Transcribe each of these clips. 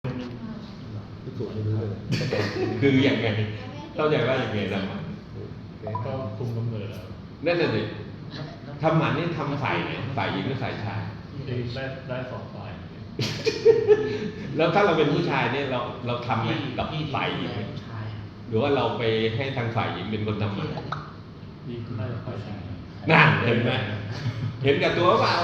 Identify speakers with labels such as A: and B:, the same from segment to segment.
A: ที่สุดไม่รู้เลย
B: คืออย่างไงเข้าใจว่าอย่างไงทำหมัน
C: ก็คุมกำเนิดแล้ว
B: นั่นน่ะสิทำหมันนี่ทำฝ่ายไหนฝ่ายหญิงหรือฝ่ายชาย
C: ได้สองฝ่าย
B: แล้วถ้าเราเป็นผู้ชายเนี่ยเราทำไหมกับฝ่ายหญิงไหมหรือว่าเราไปให้ทางฝ่ายหญิงเป็นคนทำหมัน
C: ดีน่าจะฝ่ายชาย
B: นั่นเห็นไหมเห็นกับตัวเปล่า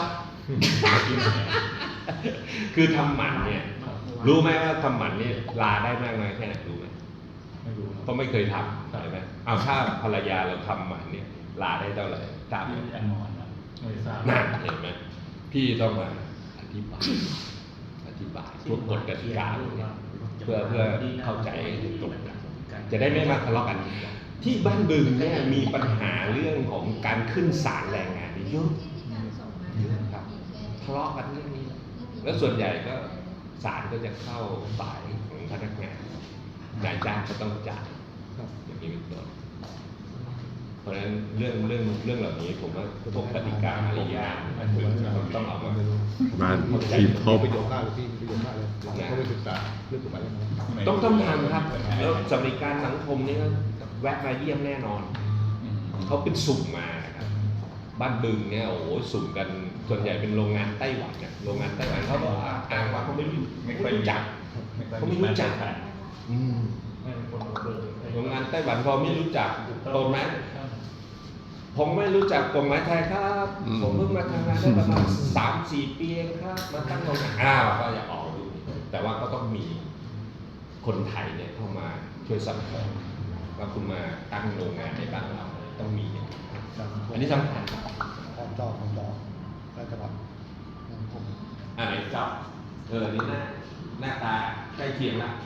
B: คือทำหมันเนี่ยรู้ไหมว่าทำหมันเนี่ยลาได้มากน้อยแค่ไหนรู้ไหม
C: ไม่รู้
B: เพราะไม่เคยทำใช่ไหมเอาถ้าภรรยาเราทำหมันเนี่ยลาได้เท่าไหร่ทราบไหม
C: แน่นอนนะไม่ทราบ
B: นั่นเห็นไหมพี่ต้องมาอธิบายพวกกฎกติกาเนี่ยเพื่อเข้าใจตรงกันจะได้ไม่มาทะเลาะกัน ที่บ้านบึงเนี่ยมีปัญหาเรื่องของการขึ้นศาลแรงงานเยอะครับทะเลาะกันเรื่องนี้ แล้วส่วนใหญ่ก็ศาลก็จะเข้าฝ่ายของพนักงานนายจ้างก็ต้องจ่ายอย่างนี้เป็นต้นเพราะฉะนั้นเรื่องเหล่านี้ผมว่าพวกกติกามารยาทต้องเอามา
D: บ้านที่พบ
A: ประโยชน์มากเลยพี่ประโยชน์มากเลยเขาไปศึกษาเรื่องกฎหมายยังไง
B: ต้องทำครับแล้วสวัสดิการสังคมนี่ก็แวะมาเยี่ยมแน่นอนเขาเป็นสุ่มมาครับบ้านบึงเนี่ยโอ้โหสุ่มกันส่วนใหญ่เป็นโรงงานไต้หวันเนี่ยโรงงานไต้หวันเขาบอกอ้างว่าเขาไม่รู้จักเขาไม่รู้จัก
C: ไม่เป็นคนเดิน
B: โรงงานไต้หวันพอไม่รู้จักตรงไหมผมไม่รู้จักกฎหมายไทยครับผมเพิ่งมาทำงานได้ประมาณ3-4 ปีเองครับมาตั้งโรงงานก็อย่าออกดูแต่ว่าก็ต้องมีคนไทยเนี่ยเข้ามาช่วยซัพพอร์ตว่าคุณมาตั้งโรงงานในบ้านเราต้องมีอันนี้สำคัญ
A: ของดอกแล้วจะแบบผม
B: อันไหนจ๊อบนี่หน้าตาใกล้เคียงละ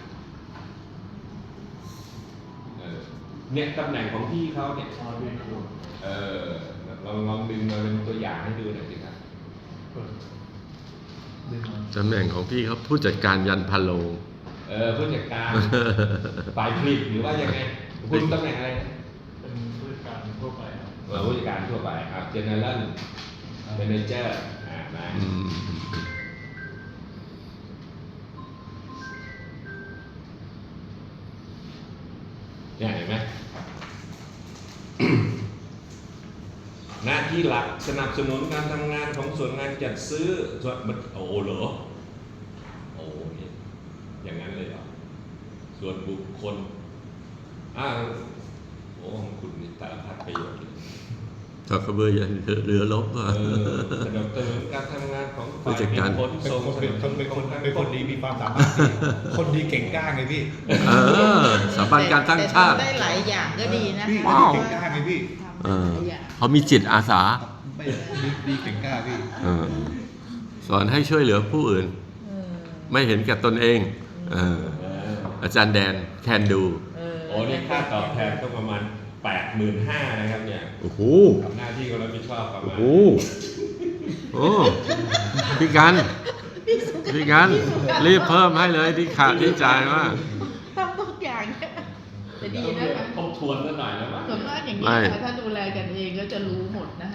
B: เนี่ยตำแหน่งของพี่เขาเนี่ยลองดึงมาเป็นตัวอย่างให้ดูหน่อยสิครับ
D: ตำแหน่งของพี่เขาผู้จัดการยันพะโลง
B: ผู้จัดการฝ่ายผลิตหรือว่ายังไงคุณตำแหน่งอะไรนะ
C: เป็นผู้จัดการทั่วไปครับ
B: ผู้จัดการทั่วไปGeneral Manager มาเนี่ยเห็นไหม หน้าที่หลักสนับสนุนการทำงานของส่วนงานจัดซื้อส่วนโอ้เหรอโอ้นี่อย่างนั้นเลยเหรอส่วนบุคคลโอ้คุณนี่สารพัดประโยชน์เลย
D: ถ้ากระเบือยันเรือลบอ่ะ
B: สนับสนุนการทำงานของ
D: ผู้จัดการ
B: ขนส่ง
A: เป็นคนดีมีความสามารถคนดีเก่งกล้าไงพี่
D: สถาบันการตั้งชาติ
E: ได้หลายอย่างก็ดีนะ
A: พี่
E: คะ
A: เก่งกล้าไงพี่
D: เขามีจิตอาสา
A: ไม่ดีเก่งกล้าพี่
D: สอนให้ช่วยเหลือผู้อื่น ไม่เห็นแก่ตนเองอาจารย์แดนแคนดู
B: โอ้นี่ค่าตอบแทนก็ประมาณ 85,000 นะครับเนี่ย
D: โอ้โห
B: กับหน้าที่ก็รับผิดชอบประมาณ
D: โอ้พี่กันรีบเพิ่มให้เลยที่ขาดที่จ่ายว่า
E: ทำทุกอย่างเนี่ยแต่ดีนะคะ
B: ทบทวนซะหน่อยแล้วมั้ง
E: ส่วนมากอย่างนี้
D: ไม่
E: ค่ะถ้าดูแลกันเองก็จะรู้หมดนะคะ